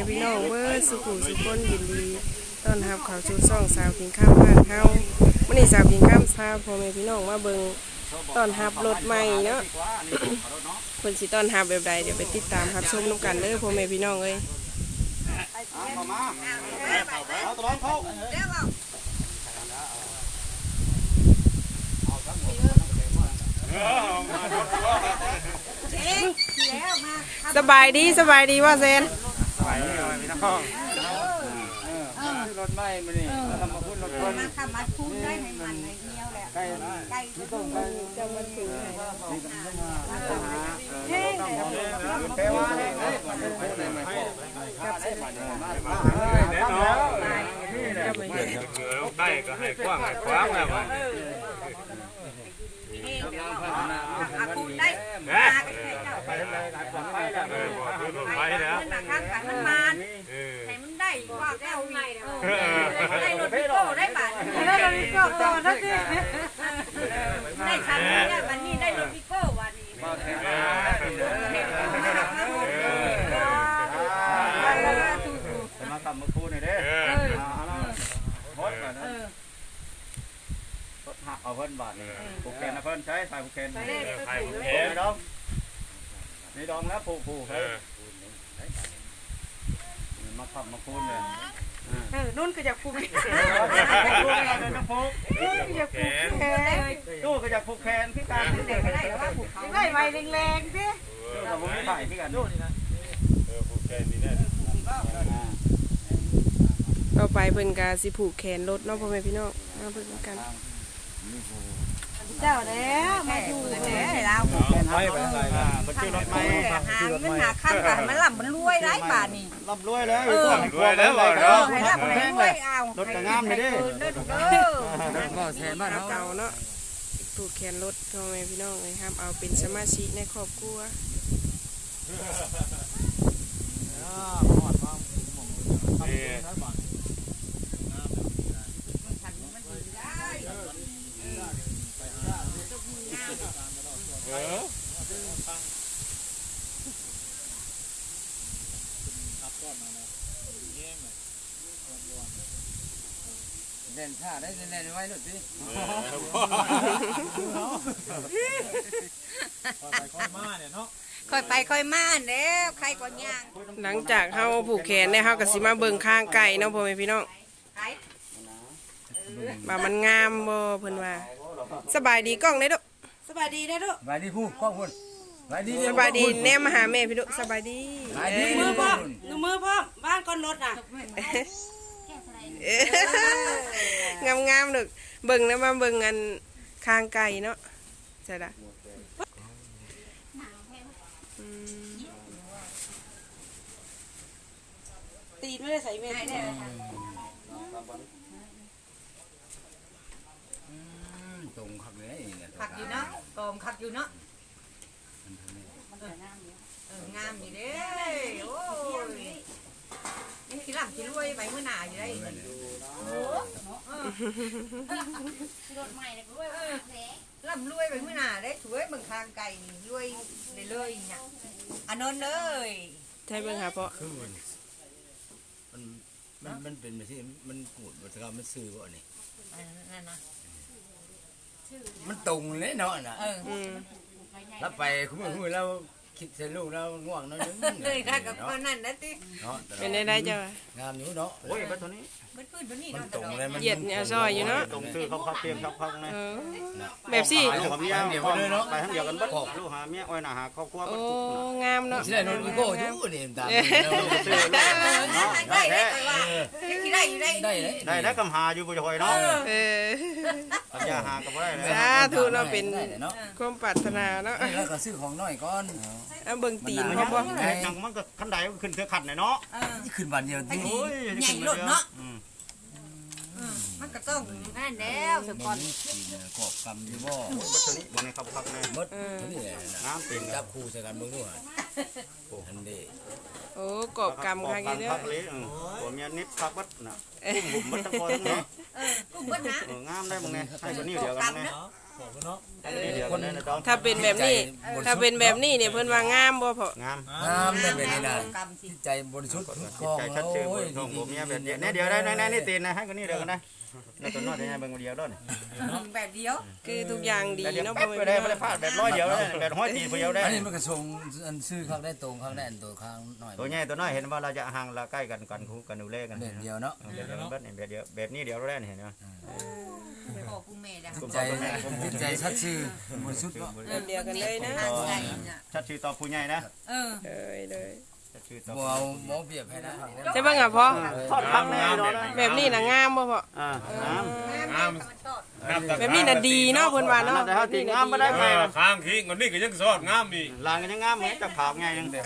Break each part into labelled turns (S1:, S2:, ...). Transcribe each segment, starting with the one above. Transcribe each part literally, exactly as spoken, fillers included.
S1: พี่น้องเบิดสุขุสุคนยินดีต้อนรับเข้าสู่ช่องสาวกินข้าวบ้านเฮามื้อนี้สาวกินข้าวพาพ่อแม่พี่น้องมาเบิ่งต้อนรับรถใหม่เนาะ เพิ่นสิต้อนรับแบบใดเดี๋ยวไปติดตามรับชมนำกันเด้อพ่อแม่พี่น้องเอ้ย
S2: เข้ามาเอาตะลองเข้า
S1: สบายดีสบายดีว่าเซน
S2: สบายดีเลยพี่น้องรถไม่มานี่เรามาพูดรถคน
S3: มาทำมาพูดได้ในมันในเนี้ยแหละ
S2: ใกล้
S3: ใกล้ที่ต้องไปจะมาถึงเฮ้ย
S2: เทวาเนี่ยได้ก็ให้กว้างให้กว้างแล้วมัน
S3: อาคูได้มาไปเลยไปแล้วไปแล้วมันข้างกันมันมันให้มันได้กว่าแก้วใหญ่ได้รถพิโก้ได้บาทได้รถพิโก้ต่อทักทีได้ชั้นนี้วันนี้ได้รถพิโก้วันนี้
S2: มาทำมาพูดหน่อยเด้หมดก่อนนะหักเอาเพิ่นบาทนี่ผูกแขนนะเพิ่นใช้สายผูกแขนสายผูกแขนดองนี่ดองแล้วผูกผูกเฮ้ยมาทำมาพูดเลย
S3: เออนุ่นก็อยากผูกแขน
S2: นุ่นก็อยากผูกแขน
S3: ตู้
S2: ก็อยากผูกแขนพี่การ
S3: เด็กได้ว่าผูกเขาได้ไวแรงๆสิ
S2: เราไม่ได้พี่การดูนี่นะเออผูกแขนนี่นะ
S1: ต่อไปเพิ่นก็สิผูกแขนรถเนาะพ่อแม่พี่น้องมาเบิ่งกัน
S3: เจ้าแล้วมาอยู่แล้วเรา
S2: ไปไปไปมันชื่อรถไม้
S3: หาเงินหาข้างกันมันหล่ำมันรวยได้บาทนี่
S2: ร่ำรวยแล้วรวยแล้วเนาะ
S3: ให้ร่ำให้รวยเอา
S2: รถกระงามเลยดิ
S1: ก็แทนบ้านเก่าเนาะผูกแขนรถพ่อแม่พี่น้องเลยครับเอาเป็นสมาชิกในครอบครัว
S4: เล่นท่าได้เล่นไว้หน่อยสิ
S3: ค่อยไปค่อยมาแล้วใครก็ย่าง
S1: หลังจากเฮาผูกแขนเนี่ยเฮาก็สิมาเบิ่งข้างไก่เนาะพ่อแม่พี่น้องว่ามันงามบ่เพิ่นว่าสบายดีกล้องได้ดุ
S3: สบายดีได้ดุ
S4: สบายดีผู้กล้องพุ่น
S1: สบายดีสบายดีแนมมาหาแม่พี่ดุสบายดี
S3: มือพ่อดูมือพ่อบ้านก้อนรถน่ะ
S1: งามงามดึกเบิ่งแล้วมาเบิ่งอันข้างไก่เนาะใช่ละ
S3: ตีนไม่ได้ใส่เมฆ
S4: ตรงขักเลย
S3: ขักอยู่เนาะกอมขักอยู่เนาะงามอยู่เด้โอ้ยนี่ขี้หลังขี้รวยไปเมื่อหนาอยู่ได้โอ้รถใหม่เลยรวยล่ำรวยไปเมื่อหนาได้สวยเบิ่งทางไก่นี่รวยเลยเลยเนี่ยอันนั้นเลย
S1: ใช่เบิ่งหาเพราะ
S4: มันมันมันเป็นแบบที่มันกูดวัฒนธรรมมันซื่อบ่นี่
S3: นั่นนะ
S4: มันตรงเลยเนาะน่ะแล้วไปคุ้มคุ้มแล้วคิดเสร็จลูกแล้วง่วงน้อยนึง
S3: เลยค่ะกับคนนั้นนะติ
S1: เป็นได้ได้จ้ะ
S4: งามอยู่เนาะ
S2: โอ้ยแบบตัวนี้
S3: มันพื้นตัวนี้
S4: มันตรงเลยมัน
S1: เหยียดเนี่ยซอยอยู่เนาะ
S2: ตรงซื้อเขาเขาเตรียมเขาเขาไง
S1: แบบสิ
S2: ไปทั้งเดียวกันเนาะไปทั้งเดียวกันบัดลูกหาเมียอ้อยหน้าหาครอบครัวบัด
S1: โอ้งามเนาะ
S4: สิได้นนอีโก้อยู่นี่ตาม
S3: ได้ได้ว่าได้ได้
S4: ได้
S2: ได้ได้กำหาอยู่บ่จะคอยเนาะ
S1: เออ
S2: อย่าหาก็บ่ได้เลย
S1: สาธุเนาะเป็นความปรารถนาเนาะ
S4: แล้วก็ซื้อของน้อยก่อน
S1: เอาเบิ่งตีนเขาบ่
S2: จังมันก็คันใดขึ้นเทือขัดเนาะ
S4: ขึ้นวันเดียว
S3: นี่ใหญ่รถเนาะมันก็ต้องนั่นแล้วสปอน
S4: กอบกำอยู่บ่
S2: บัดนี้บ่ในครับครับแม่
S4: หมดนี่แหละ
S2: น้ำเป็น
S4: จับคู่ใส่กันเบิ่งดูหั่นอันนี้
S1: โอ้กอบกำค่ะแกเด้อ
S2: ตัวเมียนิดพักบัดน่ะกุ้งบุ่มบัดทั้งคนเนาะ
S3: เออกุ้งบัดนะ
S2: เอองามได้บ่ไงให้คนนี้เดียวกันแน่
S3: เ
S2: คนนั้นนะดอง
S1: ถ้าเป็นแบบนี้ถ้าเป็นแบบนี้เนี่ยเพิ่นว่างามบ่พอง
S2: าม
S4: งามได้เป็นนี่นะ
S3: กรรมสิ
S4: จิตใจบริสุทธิ์
S2: จิ
S4: คลอง
S2: ตใจชัดชื่น
S4: โอ้ย
S2: ของผมเนี่ยแบบนี้เนี่ยเดี๋ยวได้ได้นี่ตีนนะให้คนนี้เดี๋ยวกันนะแล้วตัวน้อยจะให้เบิ่งเดียวด้วย
S3: แบบเดียว
S1: คือทุกอย่างดี
S2: แต่เดี๋ยว
S1: เนาะ
S2: แป๊
S1: พ่
S2: บ
S1: อ
S2: ไป
S1: แม่
S2: ได้
S1: พี่
S2: ไม่
S1: น้
S2: ได้
S1: อง
S2: พลาดแบบร้อยเดียวได้แบบห้อยตีเดียวได้
S4: อันนี้มันก็ส่งอันซื้อข้างได้ตรงข้างได้อันตัวข้างหน่อย
S2: ตัวใหญ่ตัวน้อยเห็นว่าเราจะห่างเราใกล้กันกันคู่กันดูแลกัน
S4: แบบเดียวเนาะ
S2: แบบเดียวแบบนี้แบบเดียวแบบนี้เดียวเราได้เห็นไหม
S3: พ่อผู้แม่ได้
S4: จิตใจจิตใจชัดชื่อบริสุทธิ์เนาะ
S1: แบบเดียวกันเลยนะ
S3: ใจน่ะ
S2: ชัดชื่อต่อผู้ใหญ่นะ
S3: เออ
S1: เลยเลย
S2: ชัดชื่อต่อ
S4: บ่เอาบ่เปรียบให้นะ
S1: ใช่ป่ะอ่ะพ่อ
S2: ทอดพักแน่นอน
S1: แบบนี้น่ะงามบ่พ่อ
S2: อ่าน้ำ
S5: งาม
S1: แบบนี้น่ะดีเนาะเพิ่นว่าเนาะ
S2: แต่เขาตีงามไม่ได้ไป
S5: ข้างขี้คนนี้ก็ยังสอดงามอีก
S2: ลางกันยังงามเหมือนจะขาวไงยังเด็ก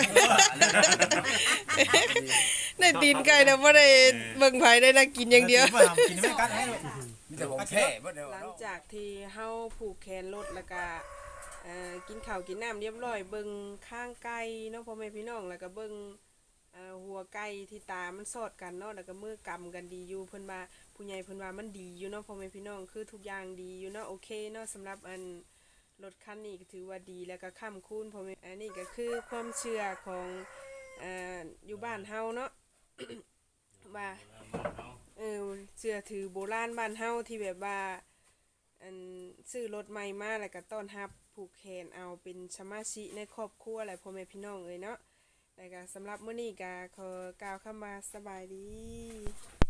S1: ได้ตีนไก่แล้วบ่ได้เบิ่งไผได้น่ากินอย่างเดียว
S5: กินไม่กัดให้
S4: มีแต่ของแท้บ่เดียว
S1: หลังจากที่เฮาผูกแขนรถแล้วก็เอ่อกินข้าวกินน้ำเรียบร้อยเบิ่งข้างไก่เนาะพ่อแม่พี่น้องแล้วก็เบิ่งเอ่อหัวไก่ที่ตามันสอดกันเนาะแล้วก็มือกำกันดีอยู่เพิ่นว่าผู้ใหญ่เพิ่นว่ามันดีอยู่เนาะพ่อแม่พี่น้องคือทุกอย่างดีอยู่เนาะโอเคเนาะสำหรับอันรถคันนี้ก็ถือว่าดีแล้วก็ค้ำคูณพ่อแม่อันนี้ก็คือความเชื่อของเอ่ออยู่บ้านเฮาเนาะ ว่าเออเชื่อถือโบราณบ้านเฮาที่แบบว่าอันซื้อรถใหม่มาแล้วก็ต้อนรับผูกแขนเอาเป็นสมาชิกในครอบครัวอะไรพ่อแม่พี่น้องเอ้ยเนาะแล้วก็สำหรับมื้อนี้ก็ขอกล่าวคำว่าสบายดี